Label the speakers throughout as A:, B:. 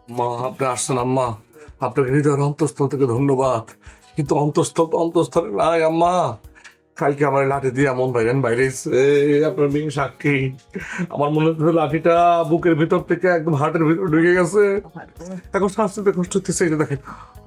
A: মা আপনি আসছেন আম্মা, আপনাকে হৃদয়ের অন্তঃস্থল থেকে ধন্যবাদ, কিন্তু অন্তঃস্থল তো অন্তঃস্থলে নাই আম্মা। কালকে আমার লাঠি দিয়ে এমন বাইরে আপনার মেয়ে সাক্ষী, আমার মনে হচ্ছে লাঠিটা বুকের ভিতর থেকে একদম হার্টের ভিতর ঢুকে গেছে। এখন শ্বাস নিতে কষ্ট হচ্ছে, এটা দেখেন।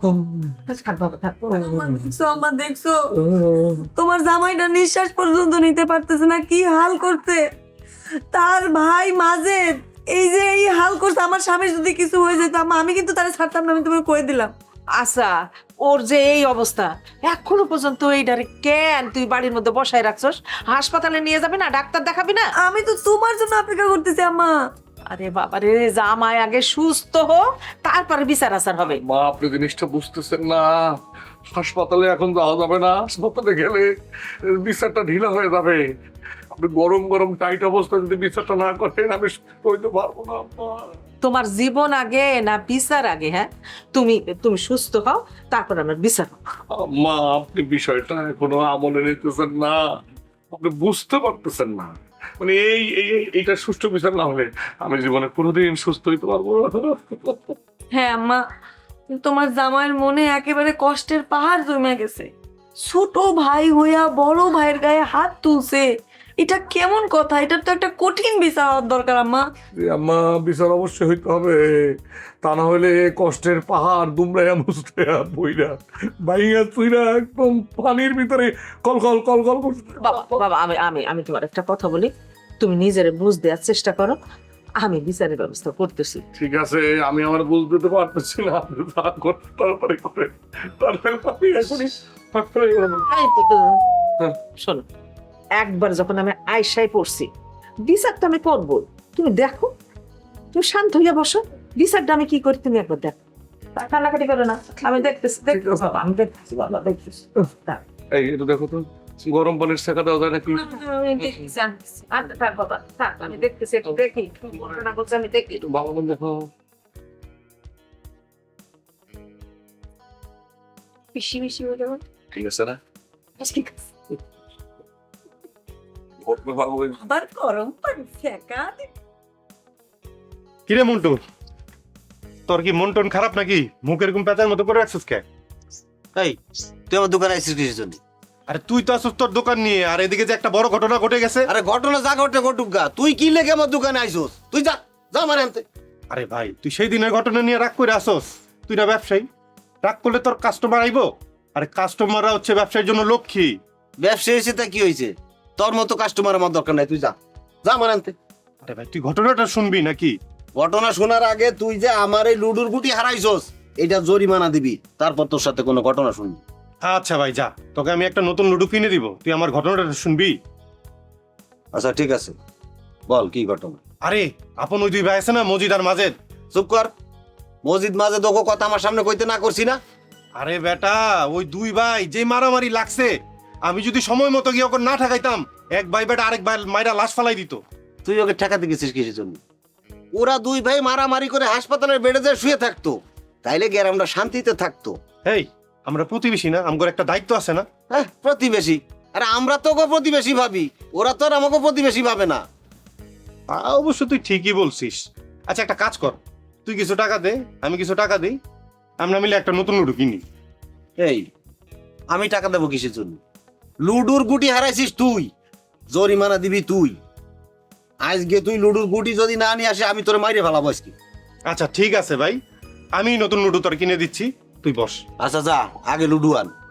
B: দেখছো আম্মা, দেখছো তোমার জামাইটা নিঃশ্বাস পর্যন্ত নিতে পারতেছে না, কি হাল করছে তার ভাই মাজেদ। এই যে এই হাল করছে, আমার স্বামীর যদি কিছু হয়ে যেত আম্মা, আমি কিন্তু তারা ছাড়তাম না, আমি তোমাকে কয়ে দিলাম।
C: আচ্ছা, ওর যে এই অবস্থা এখনো পর্যন্ত এইটারে কেন তুই বাড়ির মধ্যে বসায় রাখছস? হাসপাতালে নিয়ে যাবি না? ডাক্তার দেখাবি না?
B: আমি তো তোমার জন্য অপেক্ষা করতেছি আম্মা।
C: আরে বাবা রে, জামাই আগে সুস্থ হো, তারপরে বিচার আচার হবে।
A: মা আপনি জিনিসটা বুঝতেছেন না, হাসপাতালে এখন যাওয়া যাবে না, হাসপাতালে গেলে বিচারটা ঢিলা হয়ে যাবে। আপনি গরম গরম টাইট অবস্থা যদি বিচারটা না করেন আমি সুস্থ হইতে পারবো না আম্মা।
C: তোমার জীবন আগে না বিচার আগে? হ্যাঁ, তুমি তুমি সুস্থ হও, তারপর আমার বিচার হবে।
A: আম্মা আপনি বিষয়টা এখনো আমলে নিতেছেন না, আপনি বুঝতে পারতেছেন না। মানে এইটা সুষ্ঠু বিচার না হলে আমি জীবনে কোনোদিন সুস্থ হইতে পারবো না।
B: হ্যাঁ আম্মা, তোমার জামাইয়ের মনে একেবারে কষ্টের পাহাড় জমে গেছে। ছোট ভাই হইয়া বড় ভাইয়ের গায়ে হাত তুলছে, এটা কেমন কথা? এটার তো একটা কঠিন বিচার হওয়ার দরকার আম্মা।
A: যে আম্মা বিচার অবশ্যই হইতে হবে, তা না হলে কষ্টের পাহাড় দুমড়াইয়া মুছড়াইয়া বইরা বাইয়া তুইরা একদম পানির ভিতরে কল কল কল কল করছে।
C: বাবা বাবা, আমি আমি আমি তোমার একটা কথা বলি, তুমি নিজের বুঝ দেওয়ার চেষ্টা করো, আমি বিচারের ব্যবস্থা করতেছি।
A: ঠিক আছে, আমি আমার বুঝতে তো পারতেছি না, আপনি যা করতে তারপরে করে তারপরে আমি এখনই হাসপাতালে গেলাম।
C: এই শোনো, একবার যখন আমি আয়সায় পড়ছি, বিচারটা আমি করবো। তুমি দেখো, তুমি শান্ত হইয়া বসো, বিচারটা আমি কি করি তুমি একবার দেখো। কান্নাকাটি করো না, আমি দেখতেছি দেখতেছি বাবা, আমি দেখতেছি বাবা, দেখতেছি।
A: এই এটা দেখো তো, গরম পানির শেখা দেওয়া যায় নাকি?
C: আমি দেখতেছি, আনতেছি। থাক বাবা, থাক, আমি দেখতেছি, একটু দেখি কি ঘটনা ঘটছে, আমি দেখি।
A: একটু ভালো করে দেখো।
B: বেশি বেশি হয়ে যাবে।
A: ঠিক আছে না?
B: ঠিক আছে।
A: ঘটবে ভালো করে।
B: আবার গরম পানি ফেকা
D: কিরে মন্টু, তোর কি মন টন খারাপ নাকি? মুখ এরকম পেঁচার মতো করে রাখছিস কে?
E: এই তুই আমার দোকানে আসছিস কিসের জন্য?
D: আরে তুই তো আসছিস তোর দোকান নিয়ে, আর এদিকে যে একটা বড় ঘটনা ঘটে গেছে।
E: আরে ঘটনা যা ঘটে ঘটুক গা, তুই কি লেগে আমার দোকানে আইসোস? তুই যা যা আমার আনতে।
D: আরে ভাই, তুই সেই দিনের ঘটনা নিয়ে রাগ করে আসোস? তুই না ব্যবসায়ী, রাগ করলে তোর কাস্টমার আইবো? আরে কাস্টমাররা হচ্ছে ব্যবসায়ের জন্য লক্ষ্মী।
E: ব্যবসা এসে তা কি হয়েছে? তোর মতো কাস্টমার আমার দরকার নাই, তুই যা যা আমার আনতে।
D: আরে ভাই, তুই ঘটনাটা শুনবি নাকি?
E: ঘটনা শোনার আগে তুই যে আমার এই লুডুর গুটি হারাইছস, এটা জরিমানা দিবি, তারপর তোর সাথে কোনো ঘটনা শুনবি।
D: আচ্ছা ভাই যা, তোকে আমি একটা নতুন লুডু কিনে দিব, তুই আমার ঘটনাটা শুনবি।
E: আচ্ছা ঠিক আছে, বল কি ঘটনা।
D: আরে আপন ওই দুই ভাই আছে না, মজিদ আর মাজেদ।
E: চুপ কর, মসজিদ মাঝে তোকে কথা আমার সামনে কইতে না করছি না?
D: আরে বেটা, ওই দুই ভাই যে মারামারি লাগছে, আমি যদি সময় মতো গিয়ে ওকে না ঠেকাইতাম, এক ভাই বেটা আরেক ভাই মাইরা লাশ ফালাই দিত।
E: তুই ওকে ঠেকাতে গেছিস কিসের জন্য? ওরা দুই ভাই মারামারি করে হাসপাতালের বেডে যায় শুয়ে থাকতো, তাইলে গ্রামটা শান্তিতে থাকতো।
D: এই আমরা প্রতিবেশী না, আমগর একটা দায়িত্ব আছে না?
E: হ্যাঁ প্রতিবেশী, আরে আমরা তোকে প্রতিবেশী ভাবি, ওরা তো আর আমাকে প্রতিবেশী ভাবে না।
D: তা অবশ্য তুই ঠিকই বলছিস। আচ্ছা একটা কাজ কর, তুই কিছু টাকা দে, আমি কিছু টাকা দিই, আমরা মিলে একটা নতুন লুডু কিনি।
E: এই আমি টাকা দেবো কিসের জন্য? লুডুর গুটি হারাইছিস তুই, জরিমানা দিবি তুই। আজকে তুই লুডুর গুটি যদি না নিয়ে আসে, আমি তোর মাইরে ফেলাবো আজকে।
D: আচ্ছা ঠিক আছে ভাই, আমি নতুন লুডু তোর কিনে দিচ্ছি, তুই বস।
E: আচ্ছা যা আগে লুডু আন।